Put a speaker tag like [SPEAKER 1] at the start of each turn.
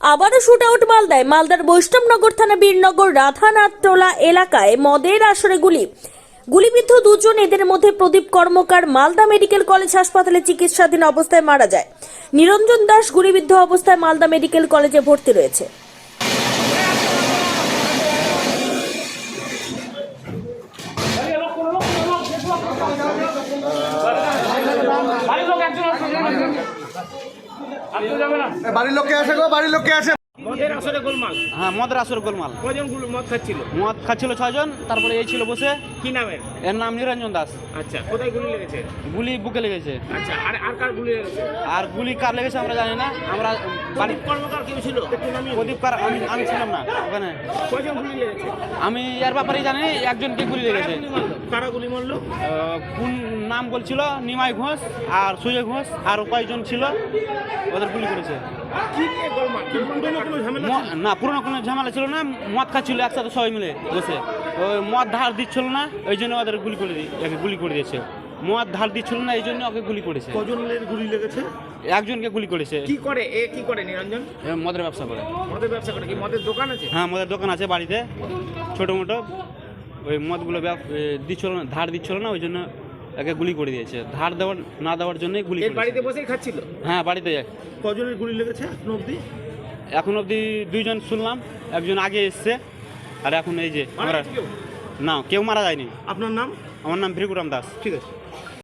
[SPEAKER 1] আবারও shoot out মালদায়। মালদার বৈষ্ণবনগর থানা বীরনগর রাধানাথটোলা এলাকায় মদের আসরে গুলিবিদ্ধ দুজন। এদের মধ্যে প্রদীপ কর্মকার মালদা মেডিকেল কলেজ হাসপাতালে চিকিৎসাধীন অবস্থায় মারা যায়। নিরঞ্জন দাস গুলিবিদ্ধ অবস্থায় মালদা মেডিকেল কলেজে ভর্তি রয়েছে।
[SPEAKER 2] বাড়ির লোককে আছে গো, বাড়ির লোককে আছে।
[SPEAKER 3] মদের আসরে গোলমাল।
[SPEAKER 4] হ্যাঁ, মদের আসর গোলমাল।
[SPEAKER 3] কজন মদ খাচ্ছিল?
[SPEAKER 4] মদ খাচ্ছিল 6 জন, তারপরে এই ছিল বসে।
[SPEAKER 3] কি নামের?
[SPEAKER 4] এর নাম নিরঞ্জন দাস।
[SPEAKER 3] আচ্ছা, কোথায় গুলি লেগেছে?
[SPEAKER 4] গুলি বুকে লেগেছে।
[SPEAKER 3] আচ্ছা, আর কার গুলি লেগেছে?
[SPEAKER 4] আর গুলি কার লেগেছে আমরা জানি না। আমরা
[SPEAKER 3] প্রদীপ কর্মকার কেউ ছিল? একটু নামিয়ে
[SPEAKER 4] প্রদীপ কার আমি ছিলাম না ওখানে।
[SPEAKER 3] কজন গুলি লেগেছে?
[SPEAKER 4] আমি এর ব্যাপারেই জানি একজনকে গুলি লেগেছে।
[SPEAKER 3] কারা গুলি মারলো?
[SPEAKER 4] কোন নাম বলছিল? নিমাই ঘোষ আর সুজয় ঘোষ আর কয়েকজন ছিল, ওদের গুলি করেছে।
[SPEAKER 3] কি নিয়ে গোলমাল? পুরনো কোনো ঝামেলা ছিল?
[SPEAKER 4] না, পুরোনো কোনো ঝামেলা ছিল না। মদ খাচ্ছিল একসাথে সবাই মিলে বসে। ওই মদ ধার দিচ্ছিল না, ওই জন্য ওদের গুলি করে দিয়েছে। মদ ধার দিচ্ছিল না, এই জন্য ওকে গুলি করেছে।
[SPEAKER 3] কজনের গুলি লেগেছে?
[SPEAKER 4] একজনকে গুলি করেছে।
[SPEAKER 3] কি করে কি করে নিরঞ্জন?
[SPEAKER 4] মদের ব্যবসা করে।
[SPEAKER 3] মদের ব্যবসা করে? কি মদের দোকান আছে?
[SPEAKER 4] হ্যাঁ, মদের দোকান আছে বাড়িতে ছোটো মোটো। ওই মদগুলো দিচ্ছিল না, ধার দিচ্ছিল না, ওই জন্য একে গুলি করে দিয়েছে। ধার না দেওয়ার জন্যই গুলি
[SPEAKER 3] এই
[SPEAKER 4] করেছে।
[SPEAKER 3] বাড়িতে বসেই খাচ্ছিল?
[SPEAKER 4] হ্যাঁ, বাড়িতে।
[SPEAKER 3] কজনের গুলি লেগেছে এখন অবধি?
[SPEAKER 4] এখন অবধি 2 জন শুনলাম, একজন আগে এসছে আর এখন এই যে আমরা। না, কেউ মারা যায়নি।
[SPEAKER 3] আপনার নাম?
[SPEAKER 4] আমার নাম ভৃগুরাম দাস।
[SPEAKER 3] ঠিক আছে।